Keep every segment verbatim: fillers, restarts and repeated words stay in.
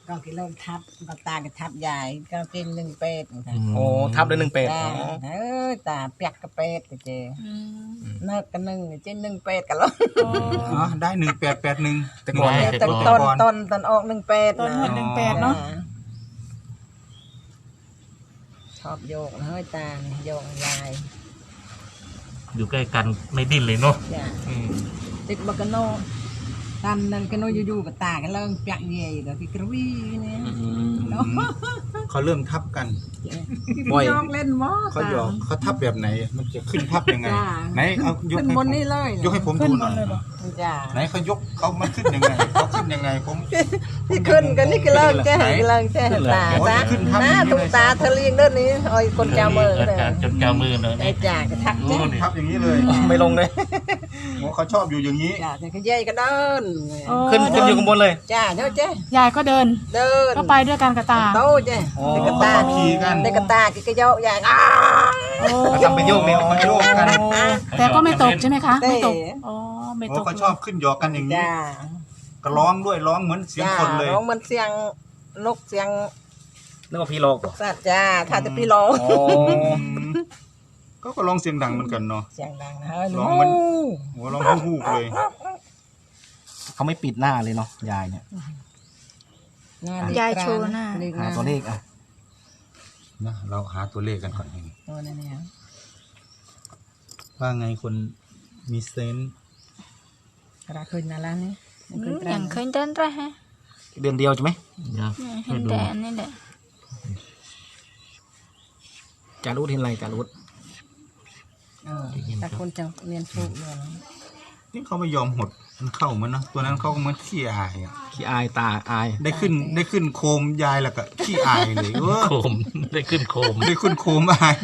ก็กินเริ่มทับก็ตาก็ทับใหญ่ก็กินหนึ่งเป็ดค่ะโอ้ทับด้วยหนึ่งเป็ดตาอ๋อเออตาเปียกกระเป็ดก็เจเนิกกันหนึ่งเจนหนึ่งเป็ดกันแล้วอ๋อได้หนึ่งแปดแปดหนึ่งแต่ก่อนไม่ต้นต้นต้นต้นออกหนึ่งเป็ดต้นหมดหนึ่งแปดเนาะชอบโยกนะเฮ้ยตาเนี่ยโยกยายอยู่ใกล้กันไม่ดิ้นเลยเนาะจ้ะอืมติดบักกะโนตามนั้นกะโนอยู่ๆกับตากันเริ่มเปียกเย่กับพี่กระวี่เนี่ยเนาะเขาเริ่มทับกันบ่อยยอกเล่นมอเขาหยอกเขาทับแบบไหน มันจะขึ้นทับยังไงจ้าไหนเอายกขึ้นให้บผนมนี่เลยยกให้ผมขึ้นดูหหมน่ดอยเลยเหรอจ้าไหนเขายกเขามันขึ้นยังไงเขาขึ้นยังไงผมพี่ขึ้นกันนี่ก็เลิกแจ้ก็เลิกแจ้ตาตาหน้าตุ้ตาเธอเลี้ยงเด้านนี้อ้อยคนเจ้ามืออาเลยจารย์จนเจ้ามือเลยไอ้จ่าก็ทักโอ้จ้านี่ทับอย่างนี้เลยไม่ลงเลยโอ้เขาชอบอยู่อย่างนี้จ้าแต่ก็เย่ก็เดินโอ้ขึ้นขึ้นอยู่ข้างบนเลยจ้าเด้อเจ้ยายก็เดินเดินก็ไปด้วยกันกับตาโตเจ้อ๋อเด็กกระตาขี่กันเด็กกระตาก็โยกใหญ่อ้าโอ้ทำเป็นโยกเนี่ยเขาโยกกันโอ้แต่ก็ไม่ตกใช่ไหมคะเต้ไม่ตกอ๋อไม่โอ้ตกเขาชอบขึ้นหยอกกันอย่างนี้จ้าก็ร้องด้วยร้องเหมือนเสียงจ้าคนเลยร้องมันเสียงนกเสียงนึกว่าพี่โลกเหรอสัตว์จ้าถ้าจะพี่ร้องอ๋อก็ก็ร้องเสียงดังเหมือนกันเนาะเสียงดังนะเฮ้ยร้องมัน โอ้ร้องฮู้ๆเลยเขาไม่ปิดหน้าเลยเนาะยายเนี่ยยายโชว์หน้าหาตัวเลขอ่ะนะเราหาตัวเลขกันก่อนเองตัวนี้เนี่ยว่าไงคนมีเซนส์ราคืนนั่นแล้วนี่ยังเคยเดินไรฮะเดือนเดียวใช่ไหมเดี๋ยวเห็นแต่นี่แหละจารุดเห็นอะไรจารุดเออแต่คนจะเรียนสูงอยู่นะนี่เขาไม่ยอมหดมันเข้าเหมือนนะตัวนั้นเขาก็เหมือนขี้อายอะขี้อายตาอายได้ขึ้นได้ขึ้นโคมยายแล้วก็ขี้อายเลยเออโคมได้ขึ้นโคมได้ขึ้นโคมอาย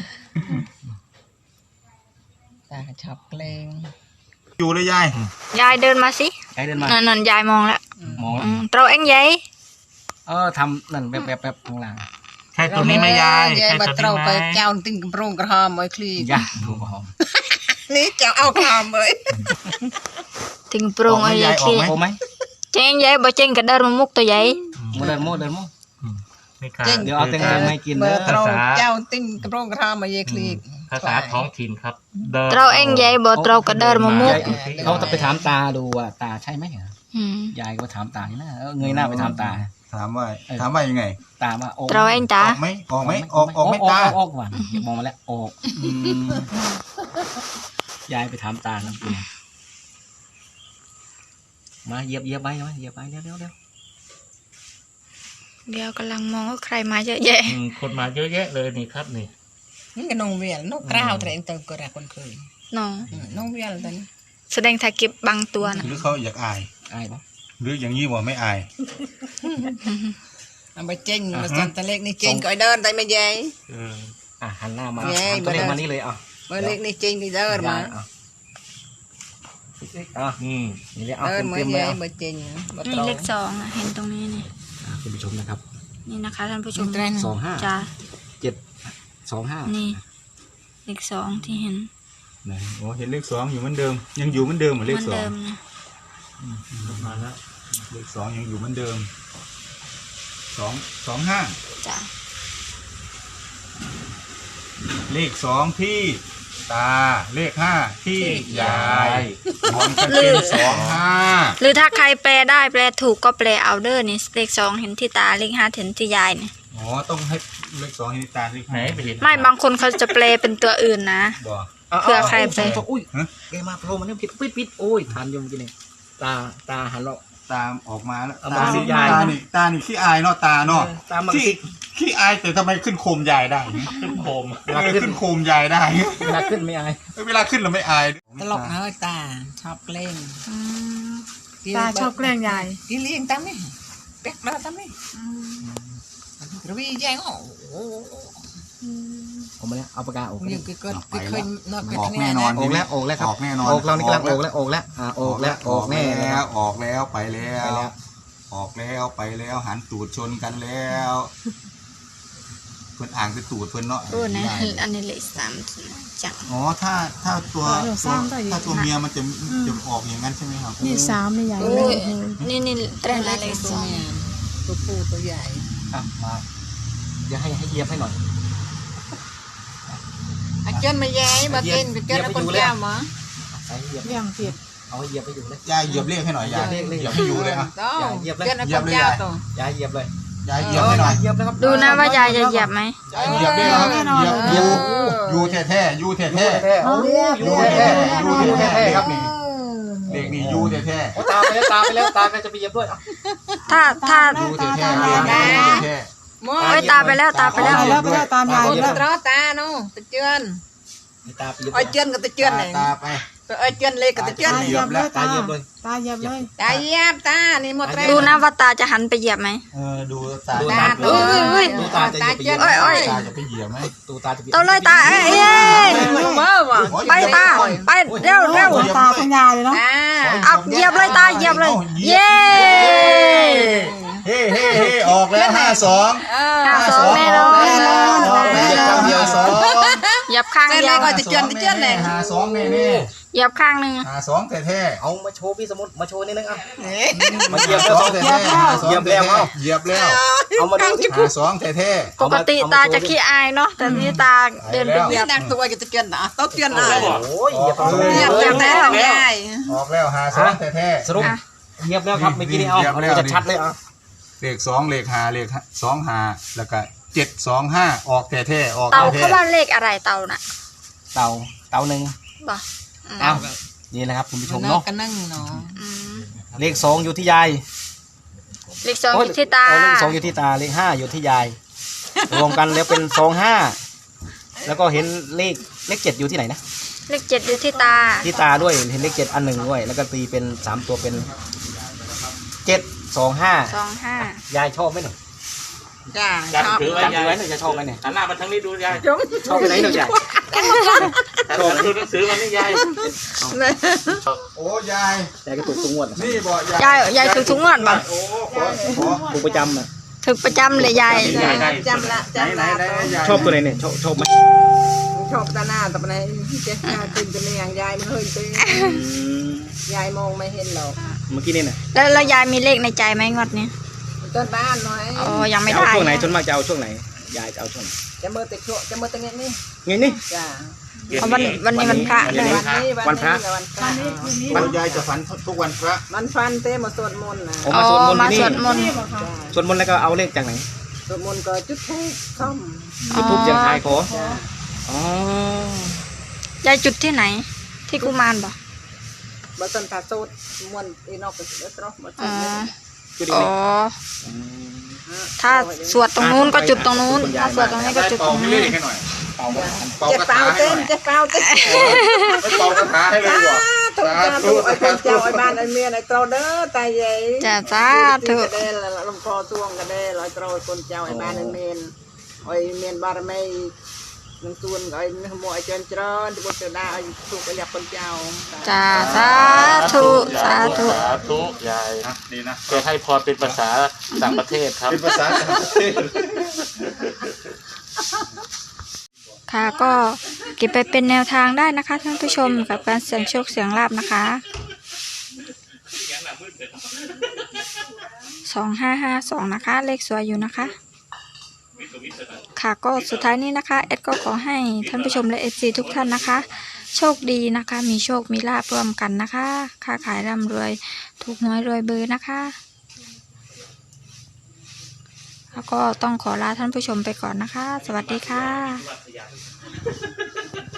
ตาชอบเพลงอยู่เลยยายยายเดินมาสิยายเดินมานั่นนั่นยายมองแล้วมองแล้วอืมเราเอ็งยายเออทำนั่นแบบแบบแบบข้างหลังใช่ตัวนี้ไหมยายยายใช่บัตัวตรนี้ไหมไปเจ้าติ้งกระโปรงกระหอมไอ้คลียาดูหอมนี่เจ้าเอากระหอมเลยถึงโปรงเอายายเคลียร์โอ้ไหมเจงยายบ่เจงก็เดินมามุกตัวใหญ่โมเดินโมเดินโมไม่ขาดเดี๋ยวเอาแตงโมมาให้กินเบอเด้อร์ตรงเจ้าติ้งกระโปรงกระหอมไอ้คลีภาษาท้องถิ่นครับดินเราเอ็งยายบ่เราก็เดินมามุกยายเขาจะไปถามตาดูว่าตาใช่ไหมอืมยายก็ถามตานี่นะเออเงยหน้าไปถามตาถามว่าถามว่ายังไงตาว่าออกเราเอ็งตาออกไหมออกไหมออกออกไหม่ตาออกออกหวานมองมาแล้วออกยายไปถามตาแล้วคุณมาเหยียบเหยียบไปมาเหยียบไปเร็วเร็วเร็วเดี๋ยวกำลังมองว่าใครมาเยอะแยะอืมคนมาเยอะแยะเลยนี่ครับนี่นี่ก็นงเวียนนกกล้าวแต่เองเติมกระคนเคยน้องนงเวียนตอนนี้แสดงถ่ายเก็บบางตัวนะหรือเขาอยากอายอายปะหรืออย่างนี้ว่าไม่อายเอาไปเจงมาสันตะเล็กนี่เจงก็เดินแต่ไม่ใหญ่เอออ่ะหันหน้ามาเย้หันตัวเลขมาเดินมานี่เลยอ่ะเบอร์เล็กนี่เจงก็เดินมาอ่ะอ่ะอืมนี่เลยเอาเดินเต็มมาเต็มใหเลยญ่อ่ะเบอร์เจงเบอร์นี่ตรงเลขสองอะเห็นตรงนี้นี่อ่ะคุณผู้ชมนะครับนี่นะคะท่านผู้ชมสองห้าจ้าเจ็ดสองห้านี่เลขสองที่เห็นไหนโอ้เห็นเลขสองอยู่เหมือนเดิม ยังอยู่เหมือนเดิมเหมือนเหเลมืขอนสอเดิงมนะมาแล้วเลขสองยังอยู่เหมือนเดิมสองสองห้าจ้าเลขสองที่ตาเลขห้าที่ยายรวมกันเป็นสองห้าหรือถ้าใครแปลได้แปลถูกก็แปลเอาเดอร์นี่เลขสองเห็นที่ตาเลขห้าเห็นที่ยายเนี่ยอ๋อต้องให้เลขสองให้ตาเลขไหนห้าไปเห็นไม่บางคนเขาจะแปลเป็นตัวอื่นนะบ่เผื่อใครไปอุ้ยฮะเกมาโผล่มาเนี่ยปิดปิดปิดโอ้ยทันยมกินเองตาตาหันเราตามออกมาแล้วเอาตามาสินี่ยายตานี่ตานี่ขี้อายเนาะตาเนาะตามมาขี้สิขี้อายแต่ทำไมขึ้นโคมยายได้ขึ้นโคมเออขึ้นโคมยายได้เวลาขึ้นไม่อายเวลาขึ้นเราไม่อายตลกนะเฮ้ยตาชอบเพลงตาชอบแกล้งยายกินเลี้ยงตั้มนี่เป๊กมาตั้มนี่กระวี่แย่งโอ้โหผมมาแล้วเอาปากกาออกยังก็ก็เคยนอนออกแน่นอนออกแล้วออกแล้วครับออกแน่นอนออกเรานี่กำลังออกแล้วออกแล้วอ่าออกแล้วออกแน่แล้แล้ว วออกแล้วไปแล้วไปแล้วออกแล้วไปแล้วหันตูดชนกันแล้ว เพื่อนอ่างเป็นตูดเพื่อนเนาะโอ้นะอันนี้เลขสามจังอ๋อถ้าถ้าตัวเออตัวสามต่ออยู่ถ้าตัวเมียมันจะจะออกอย่างนั้นใช่ไหมครับนี่สามนี่ยายโอ้เลยยนี่นี่เตรนละเลขสองตัวผู้ตัวใหญ่อ่ะมาเดี๋ยวให้ให้เหยียบให้หน่อยอาจารย์มาแย่มากินกับเจ้าแล้วคนเจ้ามาใส่เหยียบเลี้ยงผิดเอาให้เหยียบไปอยู่เลยยายเหยียบเลขให้หน่อยยายเหยียบให้อยู่เลยอ่ะต้องเหยียบเลยเจ้าแล้วคนเจ้าตัวยายเหยียบเลยยายเหยียบให้หน่อยเหยียบเลยครับดูนะว่ายายจะเหยียบไหมยายเหยียบเลยครับเหยียบอยู่อยู่แท้ๆอยู่แท้แท้ๆเอาๆอยู่แท้ๆอยู่แท้ๆครับนี่เด็กนี่อยู่แท้โอ้ตาไปแล้วตาไปแล้วตาก็จะไปเหยียบด้วยถ้าถ้าๆอยู่แท้ๆอยู่แท้มอโอ้ยตาไปแล้วตาไปแล้วตายแล้วไปแล้วตามยายโอ้ไปยแล้วตรอตาโน่ตะเจือนมีตาไปเหยียบไอ้เจือนกับตะเจือนไหนตาไปไอ้เจือนเล็กกับตะเจือนตาไหนเหยียบเลยตาตาเหยียบเลยตาเหยียบเลยตาเยียบตานี่หมดแล้วดูนะว่าตาจะหันไปเหยียบไหมเออดูตาดูตาตาตัวเอ้ยดูตาจะเหยียบไปเหยียบโอ้ยโอ้ยตาจะไปเหยียบไหมตูตาจะไปเอาเลยตาเอ้ยเอ้ยเมื่อวะไปตาไปเร็วเร็วตาทั้งยายเลยเนาะตาเอาเหยียบเลยตาเหยียบเลย เย้เฮ้เฮ้เฮ้ออกแล้วห้าสองเออห้าสองแน่นอนออกแล้วห้าสองเหยียบข้างเส้นเดีเล็ยกวก็ตะเจือนตะเจือนไหนห้าสองแน่แน่เหยียบข้างหนึ่งห้าสองแท้แท้เอามาโชว์พี่สมุทรมาโชว์นิดนึงอ่ะๆมาเหยียบแล้วสองแท้แท้แท้เหยียบแล้วเหยียบแล้วเอามาดูที่ห้าสองแท้แท้ปกติตาจะขี้อายเนาะแต่นี่ตาเดินไปเหยีนี่ยบนักตัวกับตะเจือนนะต้องเจือนอ่ะโอ้ยเหยียบเหยียบจากแล้วใหญ่ออกแล้วห้าสองแท้แท้สรุปเหยียบแล้วครับเมื่อกี้นี่เอาเอาจะชัดเลยอ่ะเลขสองเลขห้าเลขสองห้าแล้วก็เจ็ดสองห้าออกแท้แท้ออกเต่าแท้เขาว่าเลขอะไรเต่าน่ะเต่าเต่าหนึ่งบ่เอานี่นะครับคุณผู้ชมเนาะเนาะกันนั่งเนาะอืมเลขสองอยู่ที่ยายเลขสองอยู่ที่ตาเออเลขสองอยู่ที่ตาเลขห้าอยู่ที่ยายรวมกันแล้วเป็นสองห้าแล้วก็เห็นเลขเลขเจ็ดอยู่ที่ไหนนะเลขเจ็ดอยู่ที่ตาที่ตาด้วยเห็นเลขเจ็ดอันหนึ่งด้วย แล้วก็ตีเป็นสามตัวเป็นเจ็ดสองห้าสองห้ายายชอบไหมหนูจ้าจับชอบถือไว้จำยายไว้หนูจะชอบไหมเนี่ยหันหน้ามาทางนี้ดูยายจงชอบไปไหนหนูยายชอบดูหนังสือมันนี่ยายโอ้ยายยายก็ถูกทุกงวดนะนี่บอกยายยายถูกทุกงวดบ่โอ้ขอขอถูกประจำอ่ะถูกประจำเลยยายจำละไหนจำไหนละไหนยายชอบตัวไหนเนี่ยชอบชอบไหมชอบตาหน้าแต่ปนไหนเจ๊ตาตื่นจะเมียงยายมันเฮ้ยตื่นยายมองไม่เห็นหรอกเมื่อกี้นี่น่ะแล้วแล้วยายมีเลขในใจไหมงวดนี้ต้นบ้านหน่อยอ๋อยังไม่จะเอาได้ช่วงไหนส่วนมากจะเอาช่วงไหนยายจะเอาช่วงไหนจะมือติดชั่วจะมือติดเงี้ยนี่ไงนี่จ้าเอาวันวันนี้วันพระวันด้นี้วยวันนี้วันพระวันพระวันยายจะฝันทุกวันพระมันฟันเต้มาสวดมนต์นะผมอ๋มาอสวดมนต์มาที่สนี่วดมนต์สวดมนต์แล้วก็เอาเลขจากไหนสวดมนต์ก็จุดทูบซ่อมจุดทูบเสียงทายขออ๋อยายจุดที่ไหน ที่กุมารบ่บัตันตาโซดมวนอีนอกก็เดือดร้อนบัตัอ๋นอจุดอีกอ๋ไหอน ถ้าสวดตรงนู้นก็จุดตรงนู้น ถ้าสวดตรงนี้ก็จุดตเป่ารงให้เลนี้ขให้หน่อยเป่าเป่าเจ็บกระเปล่าถาให้เต้หนน่อยเจ็บเปล่าเต้นไม่เป่ากระถาให้เลยว่ะถูกจ้าถูกไอ้คนเจ้าไอ้บ้านไอ้เมียไอ้โตเด้อตายใหญ่จ้าจ้าเถอะกระเด้ละลำคอช่วงกระเด้ลอยโตคนเจ้าไอ้บ้านไอ้เมียนไอ้เมียนบารมีนังส่วนไอ้หมวยเจริญเจริญที่บุตรดาไอ้ถูกไอ้หยับคนเจ้าจ้าสาธุสาธุสาธุยายดีนะจะให้พรเป็นภาษาต่างประเทศครับเป็นภาษาต่างประเทศค่ะก็เก็บไปเป็นแนวทางได้นะคะท่านผู้ชมกับการเสี่ยงโชคเสี่ยงลาบนะคะสองห้าห้าสองนะคะ เลขสวยอยู่นะคะ ค่ะก็สุดท้ายนี้นะคะเอ็ดก็ขอให้ท่านผู้ชมและเอฟซีทุกท่านนะคะ โชคดีนะคะ มีโชคมีลาภร่วมกันนะคะค้าขายร่ำรวยถูกหวยรวยเบอร์นะคะแล้วก็ต้องขอลาท่านผู้ชมไปก่อนนะคะ สวัสดีค่ะ